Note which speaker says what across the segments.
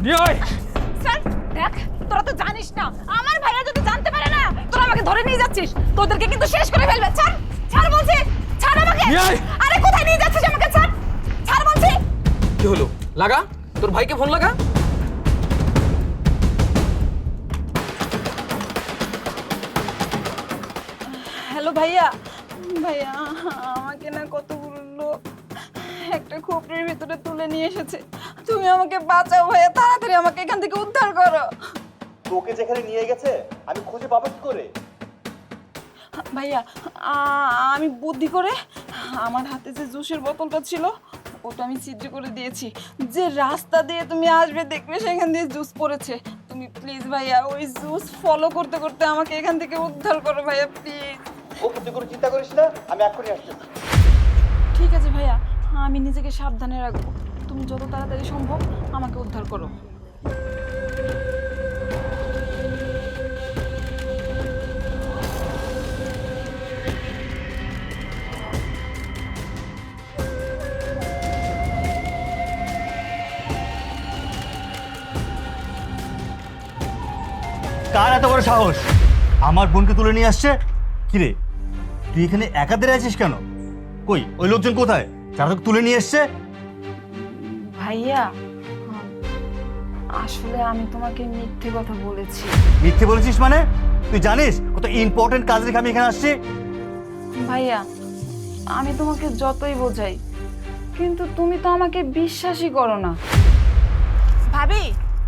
Speaker 1: Sir দেখ, তোরা তো জানিস না, আমার ভাইয়া যদি জানতে পারে না তোরা আমাকে ধরে নিয়ে যাচ্ছিস, তোদেরকে কিন্তু শেষ করে ফেলবে। ছাড়, ছাড় বলছি, ছাড় আমাকে। আরে কোথায় নিয়ে যাচ্ছিস আমাকে? ছাড়, ছাড় বলছি।
Speaker 2: কি হলো? লাগা, তোর ভাইকে ফোন লাগা।
Speaker 1: হ্যালো ভাইয়া। ভাইয়া আমাকে না কতগুলো লোক একটা খোপড়ির ভিতরে তুলে নিয়ে এসেছে। তুমি আমাকে বাঁচাও ভাইয়া, তাড়াতাড়ি আমাকে এখান থেকে উদ্ধার করো।
Speaker 3: তোকে যেখানে নিয়ে গেছে আমি খুঁজে পাবো কি করে?
Speaker 1: ভাইয়া আমি বুদ্ধি করে আমার হাতে যে জুসের বোতলটা ছিল ওটা আমি ছিদ্র করে দিয়েছি। যে রাস্তা দিয়ে তুমি আসবে দেখবে সেখান দিয়ে জুস পড়েছে। তুমি প্লিজ ভাইয়া ওই জুস ফলো করতে করতে আমাকে এখান থেকে উদ্ধার করো ভাইয়া, প্লিজ।
Speaker 3: ওকে তুই কোনো চিন্তা করিস না, আমি এক্ষুনি আসতেছি।
Speaker 1: ঠিক আছে ভাইয়া, আমি নিজেকে সাবধানে রাখবো। তুমি যত তাড়াতাড়ি সম্ভব আমাকে উদ্ধার করো।
Speaker 4: কার এত বড় সাহস আমার বোনকে তুলে নিয়ে আসছে? কিরে তুই এখানে একা দাঁড়িয়ে আছিস কেন? কই ওই লোকজন কোথায় যারা তোকে তুলে নিয়ে এসছে?
Speaker 1: ভাইয়া আসলে আমি তোমাকে মিথ্যে কথা বলেছি।
Speaker 4: মিথ্যে বলেছিস মানে? তুই জানিস কত ইম্পর্টেন্ট কাজ রেখে আমি এখানে আসছি?
Speaker 1: ভাইয়া আমি তোমাকে যতই বোঝাই কিন্তু তুমি তো আমাকে বিশ্বাসই করো না। ভাবি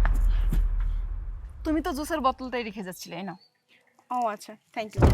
Speaker 1: তুমি তো জুসের বোতলটাই রেখে যাচ্ছিলে, না? ও আচ্ছা, থ্যাংক ইউ।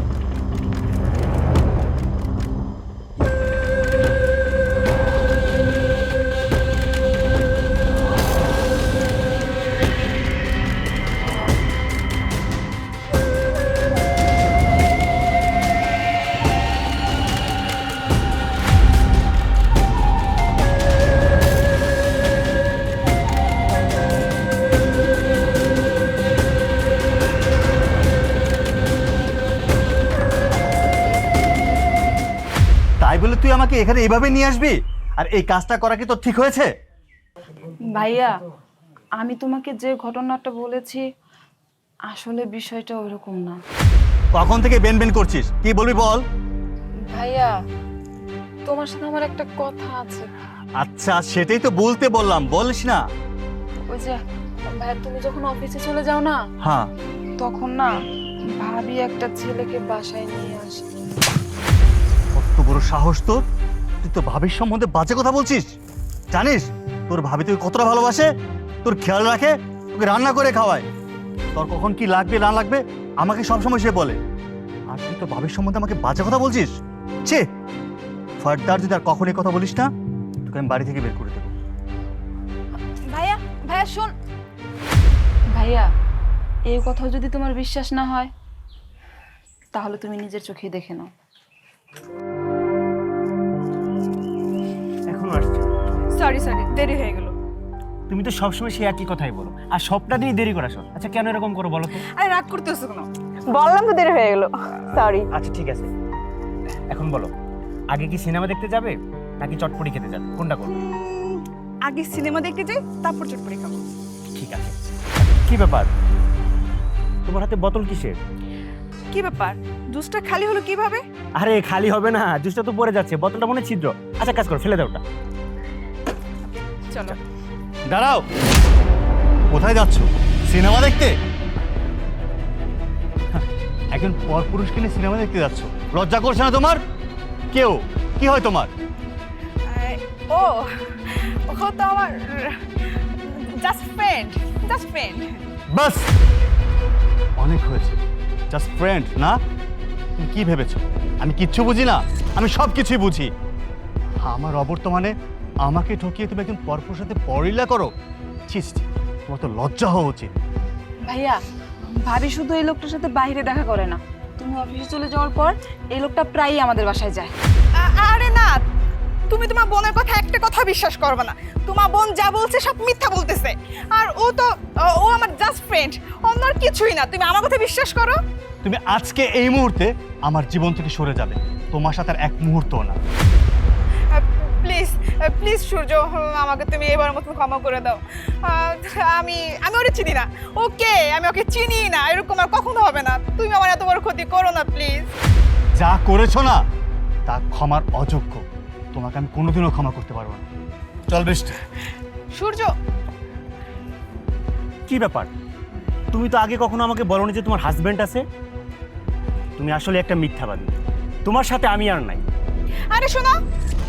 Speaker 4: তাই বলে তুই আমাকে এখানে এইভাবে নিয়ে আসবি? আর এই কাজটা করা কি তোর ঠিক হয়েছে?
Speaker 1: ভাইয়া আমি তোমাকে যে ঘটনাটা বলেছি আসলে বিষয়টা ওইরকম না।
Speaker 4: কখন থেকে বেন বেন করছিস, কি বলবি বল?
Speaker 1: ভাইয়া তোমার সাথে আমার একটা কথা আছে।
Speaker 4: আচ্ছা সেটাই তো বলতে বললাম, বলিস না?
Speaker 1: ওই যে ভাইয়া তুমি যখন অফিসে চলে যাও না,
Speaker 4: হ্যাঁ
Speaker 1: তখন না ভাবি একটা ছেলেকে বাসায় নিয়ে আসে।
Speaker 4: কত বড় সাহস তোর! তুই তো ভাবির সম্বন্ধে বাজে কথা বলছিস। জানিস তোর ভাবি তোকে কতটা ভালোবাসে, তোর খেয়াল রাখে, তোকে রান্না করে খাওয়ায়, তোর কখন কি লাগবে না লাগবে আমাকে সবসময় সে বলে। আর তুই তো ভাবির সম্বন্ধে আমাকে বাজে কথা বলছিস। ছে, ফার্দার যদি আর কখনই কথা বলিস না তোকে আমি বাড়ি থেকে বের করে দেবো।
Speaker 1: ভাইয়া ভাইয়া শোন। ভাইয়া এই কথা যদি তোমার বিশ্বাস না হয় তাহলে তুমি নিজের চোখে দেখে নাও।
Speaker 5: এখন আসছে।
Speaker 1: সরি দেরি হয়ে গেল।
Speaker 5: তুমি তো সবসময় সেই একই কথাই বলো, আর সবটা দিয়ে দেরি করাছো। আচ্ছা কেন এরকম করো বলো তো?
Speaker 1: আরে রাগ করতেছো কেন? বললাম তো দেরি হয়ে গেল, সরি।
Speaker 5: আচ্ছা ঠিক আছে, এখন বলো আগে কি সিনেমা দেখতে যাবে নাকি চটপটি খেতে যাবে, কোনটা করবে?
Speaker 1: আগে সিনেমা দেখতে যাই, তারপর চটপটি খাবো।
Speaker 5: ঠিক আছে। কি ব্যাপার, তোমার হাতে বোতল কিসের?
Speaker 1: কি ব্যাপার, জুসটা খালি হলো কিভাবে?
Speaker 5: আরে খালি হবে না, জুসটা তো পড়ে যাচ্ছে, বোতলটা মনে ছিদ্র। আচ্ছা কাজ করো, ফেলে দাও ওটা।
Speaker 1: চলো।
Speaker 4: দাঁড়াও, কোথায় যাচ্ছ? সিনেমা দেখতে? একজন পরপুরুষকে নিয়ে সিনেমা দেখতে যাচ্ছ, লজ্জা করছে না তোমার? কেউ কি হয় তোমার?
Speaker 1: ও ও তো আমার জাস্ট ফ্রেন্ড।
Speaker 4: বাস অনেক হয়েছে, জাস্ট ফ্রেন্ড না? তুমি কি ভেবেছো আমি কিচ্ছু বুঝি না? আমি সব কিছুই বুঝি। আমার অবর্তমানে আমাকে ঠকিয়ে তুমি একজন পরপুরুষের সাথে পরলীলা করো? ছিস, তোমার তো লজ্জা হওয়া উচিত।
Speaker 1: ভাইয়া ভাবি শুধু এই লোকটার সাথে বাইরে দেখা করে না, তুমি অফিসে চলে যাওয়ার পর এই লোকটা প্রায়ই আমাদের বাসায় যায়।
Speaker 6: আরে না, তুমি তোমার বোনের কথা একটা কথা বিশ্বাস করবে না। তোমার বোন যা বলছে সব মিথ্যা বলতেছে। আর ও আমার জাস্ট ফ্রেন্ড, অন্য আর কিছুই না। তুমি আমার কথা বিশ্বাস করো।
Speaker 4: তুমি আজকে এই মুহূর্তে আমার জীবন থেকে সরে যাবে, তোমার সাথে আর এক মুহূর্তও না।
Speaker 6: প্লিজ প্লিজ সূর্য, আমাকে তুমি এবার মতন ক্ষমা করে দাও। আমি আমি ওরে চিনি না, ওকে আমি ওকে চিনি না, এরকম আর কখনো হবে না। তুমি আমার এত বড় ক্ষতি করো না প্লিজ।
Speaker 4: যা করেছো না তা ক্ষমার অযোগ্য, তোমাকে আমি কোনোদিনও ক্ষমা করতে পারবো না। চল বৃষ্টি।
Speaker 6: সূর্য,
Speaker 5: কি ব্যাপার? তুমি তো আগে কখনো আমাকে বলোনি যে তোমার হাজবেন্ড আছে। তুমি আসলে একটা মিথ্যাবাদী। তোমার সাথে আমি আর নাই।
Speaker 6: আরে শোনো,